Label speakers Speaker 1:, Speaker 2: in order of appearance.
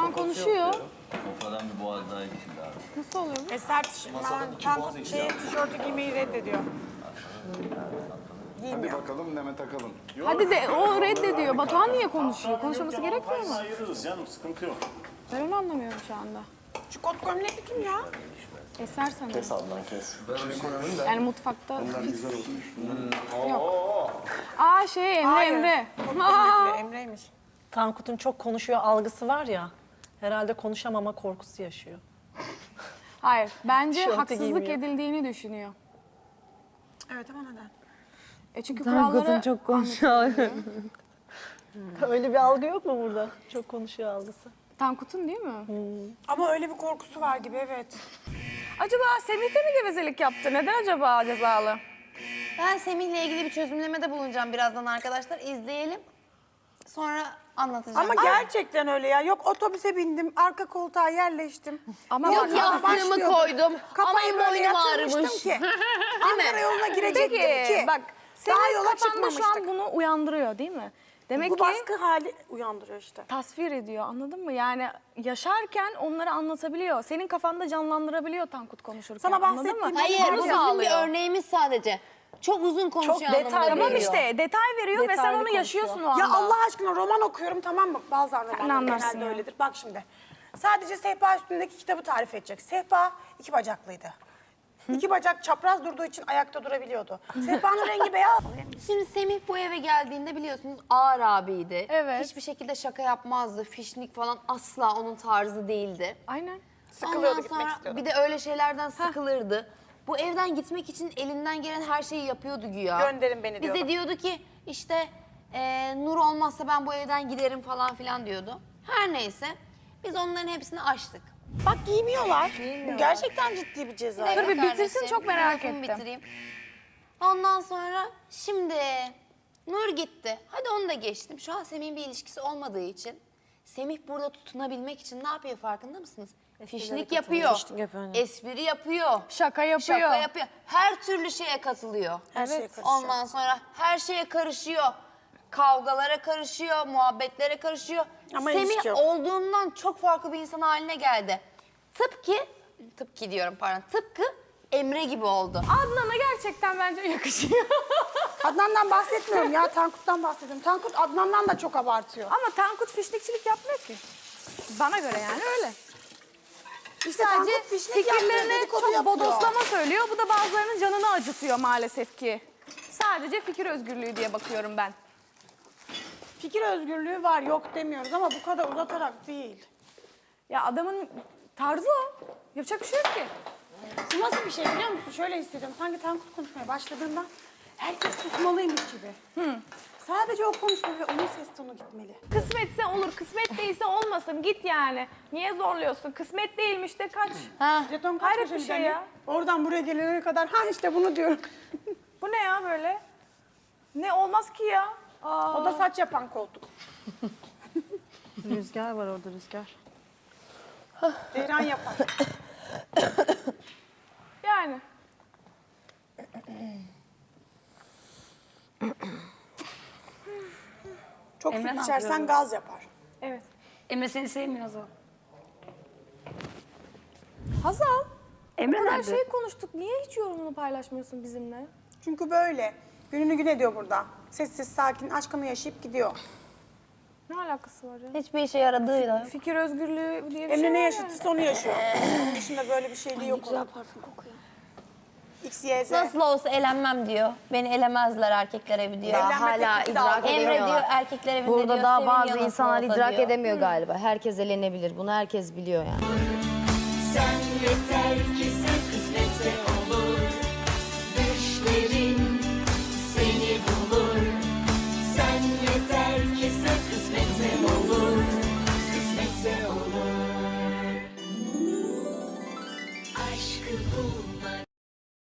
Speaker 1: an konuşuyor.
Speaker 2: Sofradan bir boğaz daha eksildi abi.
Speaker 1: Nasıl oluyor?
Speaker 3: Eser tişörtü giymeyi reddediyor.
Speaker 4: Hadi bakalım Neme takalım.
Speaker 1: Hadi de o reddediyor. Batuhan niye konuşuyor? Konuşması gerekmiyor mu?
Speaker 5: Ayırırız canım, sıkıntı yok.
Speaker 1: Ben onu anlamıyorum şu anda.
Speaker 3: Şu kot gömlekli kim ya?
Speaker 1: Eser sanırım.
Speaker 4: Kes Adnan kes.
Speaker 1: Yani mutfakta.
Speaker 4: Bunlar güzel olmuş.
Speaker 1: Aa şey Emre
Speaker 3: Hayır.
Speaker 1: Emre.
Speaker 3: Kot gömlekli Emre'ymiş.
Speaker 6: Tankut'un çok konuşuyor algısı var ya. Herhalde konuşamama korkusu yaşıyor.
Speaker 1: Hayır. Bence
Speaker 6: Tişörtü
Speaker 1: haksızlık
Speaker 6: giymiyor.
Speaker 1: edildiğini düşünüyor.
Speaker 3: Evet ama neden?
Speaker 1: Çünkü kuralları
Speaker 7: çok konuşuyor.
Speaker 6: Öyle bir algı yok mu burada? Çok konuşuyor algısı.
Speaker 1: Tankut'un değil mi?
Speaker 3: Ama öyle bir korkusu var gibi evet.
Speaker 1: Acaba Semih de mi gevezelik yaptı? Neden acaba cezalı?
Speaker 7: Ben Semih'le ilgili bir çözümlemede bulunacağım birazdan arkadaşlar. İzleyelim. Sonra anlatacağım.
Speaker 3: Ama gerçekten öyle ya. Yok otobüse bindim, arka koltuğa yerleştim.
Speaker 1: Ama
Speaker 7: Yok
Speaker 1: bak-
Speaker 7: yastığımı
Speaker 3: başlıyordum.
Speaker 7: koydum.
Speaker 3: Kafayı
Speaker 7: Aman
Speaker 3: böyle
Speaker 7: boynum
Speaker 3: yatırmıştım
Speaker 7: ağrımış.
Speaker 3: ki. Ankara yoluna girecektim ki.
Speaker 1: Bak
Speaker 3: Daha
Speaker 1: senin
Speaker 3: yola
Speaker 1: kafanda şu an
Speaker 3: çıkmamıştık.
Speaker 1: bunu uyandırıyor değil mi? Demek
Speaker 3: Bu
Speaker 1: ki
Speaker 3: baskı hali uyandırıyor işte.
Speaker 1: tasvir ediyor anladın mı? Yani yaşarken onları anlatabiliyor. Senin kafanda canlandırabiliyor Tankut konuşurken.
Speaker 3: Sana
Speaker 1: anladın
Speaker 3: bahsettiğim-
Speaker 1: mı?
Speaker 7: Hayır
Speaker 1: Bunu
Speaker 7: bu bizim bir
Speaker 1: sağlıyor.
Speaker 7: örneğimiz sadece. Çok uzun konuşuyor
Speaker 6: detaylı
Speaker 7: anlamına
Speaker 1: Tamam
Speaker 7: geliyor.
Speaker 1: işte detay veriyor ve sen
Speaker 6: Detaylı
Speaker 1: onu
Speaker 6: konuşuyor.
Speaker 1: yaşıyorsun o anda.
Speaker 3: Ya Allah aşkına roman okuyorum tamam mı? Bazen romanlar
Speaker 1: anlarsın
Speaker 3: genelde
Speaker 1: ya.
Speaker 3: öyledir. Bak şimdi. Sadece sehpa üstündeki kitabı tarif edecek. Sehpa 2 bacaklıydı. 2 bacak çapraz durduğu için ayakta durabiliyordu. Sehpanın rengi beyaz.
Speaker 7: Şimdi Semih bu eve geldiğinde biliyorsunuz ağır abiydi.
Speaker 1: Evet.
Speaker 7: Hiçbir şekilde şaka yapmazdı. Fişnik falan asla onun tarzı değildi.
Speaker 1: Aynen.
Speaker 3: Sıkılıyordu,
Speaker 7: Ondan
Speaker 3: gitmek
Speaker 7: sonra
Speaker 3: istiyordu.
Speaker 7: bir de öyle şeylerden sıkılırdı. Bu evden gitmek için elinden gelen her şeyi yapıyordu güya.
Speaker 3: Gönderin beni diyordu.
Speaker 7: Bize diyordu ki işte Nur olmazsa ben bu evden giderim falan filan diyordu. Her neyse biz onların hepsini aştık.
Speaker 3: Bak giymiyorlar. Bu gerçekten ciddi bir ceza.
Speaker 7: dakika
Speaker 1: Dur bir bitirsin,
Speaker 7: kardeşim,
Speaker 1: çok merak
Speaker 7: lafımı
Speaker 1: ettim.
Speaker 7: Bitireyim. Ondan sonra şimdi Nur gitti. Hadi onu da geçtim. Şu an Semih'in bir ilişkisi olmadığı için Semih burada tutunabilmek için ne yapıyor farkında mısınız? Fişnik yapıyor. Espri yapıyor.
Speaker 1: Şaka yapıyor.
Speaker 7: Şaka yapıyor. Her türlü şeye katılıyor.
Speaker 3: Her şeye karışıyor.
Speaker 7: Ondan sonra her şeye karışıyor. Kavgalara karışıyor, muhabbetlere karışıyor.
Speaker 3: Ama ilişki
Speaker 7: Semih
Speaker 3: yok.
Speaker 7: olduğundan çok farklı bir insan haline geldi. Tıpkı diyorum pardon, tıpkı Emre gibi oldu.
Speaker 1: Adnan'a gerçekten bence yakışıyor.
Speaker 3: Adnan'dan bahsetmiyorum ya. Tankut'tan bahsediyorum. Tankut Adnan'dan da çok abartıyor.
Speaker 1: Ama Tankut fişnikçilik yapmıyor ki. Bana göre yani öyle.
Speaker 3: İşte
Speaker 1: Sadece
Speaker 3: Tankut fişnik yapıyor,
Speaker 1: fikirlerini
Speaker 3: dedikodu
Speaker 1: çok
Speaker 3: yapıyor.
Speaker 1: bodoslama söylüyor. Bu da bazılarının canını acıtıyor maalesef ki. Sadece fikir özgürlüğü diye bakıyorum ben.
Speaker 3: Fikir özgürlüğü var yok demiyoruz ama bu kadar uzatarak değil.
Speaker 1: Ya adamın tarzı o. Yapacak bir şey yok ki.
Speaker 3: Bu nasıl bir şey biliyor musun? Şöyle hissediyorum. Sanki Tankut konuşmaya başladığında herkes susmalıymış gibi. Sadece o konuşmalı ve onun ses tonu gitmeli.
Speaker 1: Kısmetse olur, kısmet değilse olmasın. Git yani. Niye zorluyorsun? Kısmet değilmiş de kaç.
Speaker 3: Jeton kaç
Speaker 1: Hayret bir
Speaker 3: köşeli
Speaker 1: şey
Speaker 3: hani?
Speaker 1: ya.
Speaker 3: Oradan buraya gelene kadar ha işte bunu diyorum.
Speaker 1: Bu ne ya böyle? Ne olmaz ki ya? Aa.
Speaker 3: O da saç yapan koltuk.
Speaker 6: Rüzgar var orada rüzgar.
Speaker 3: Ceyran yapar.
Speaker 1: Yani.
Speaker 3: Çok
Speaker 8: Emre
Speaker 3: süt
Speaker 8: ne
Speaker 3: içersen
Speaker 8: yapıyor?
Speaker 3: gaz yapar.
Speaker 1: Evet.
Speaker 8: Emre seni sevmiyor Hazal.
Speaker 1: Hazal,
Speaker 8: Emre
Speaker 1: bu kadar
Speaker 8: nerede?
Speaker 1: şey konuştuk. Niye hiç yorumunu paylaşmıyorsun bizimle?
Speaker 3: Çünkü böyle. Gününü gün ediyor burada. Sessiz sakin aşkını yaşayıp gidiyor.
Speaker 1: Ne alakası var ya?
Speaker 7: Hiçbir işe yaradığıyla.
Speaker 1: Fikir özgürlüğü diye bir
Speaker 3: Emre
Speaker 1: şey
Speaker 3: ne
Speaker 1: var
Speaker 3: yaşatırsa onu yaşıyor. Onun dışında böyle bir şeyliği yok.
Speaker 7: Güzel parfüm kokuyor.
Speaker 3: X, Y, Z.
Speaker 7: Nasıl olsa elenmem diyor. Beni elemezler erkekler evi diyor.
Speaker 3: Evlenme
Speaker 7: Hala
Speaker 3: teklifi de
Speaker 7: idrak
Speaker 3: aldı.
Speaker 7: Emre diyor erkekler evinde
Speaker 9: Burada
Speaker 7: diyor.
Speaker 9: daha
Speaker 7: seviniyor
Speaker 9: bazı
Speaker 7: nasıl
Speaker 9: insanlar
Speaker 7: olsa
Speaker 9: idrak
Speaker 7: diyor.
Speaker 9: edemiyor galiba. Herkes elenebilir. Bunu herkes biliyor yani.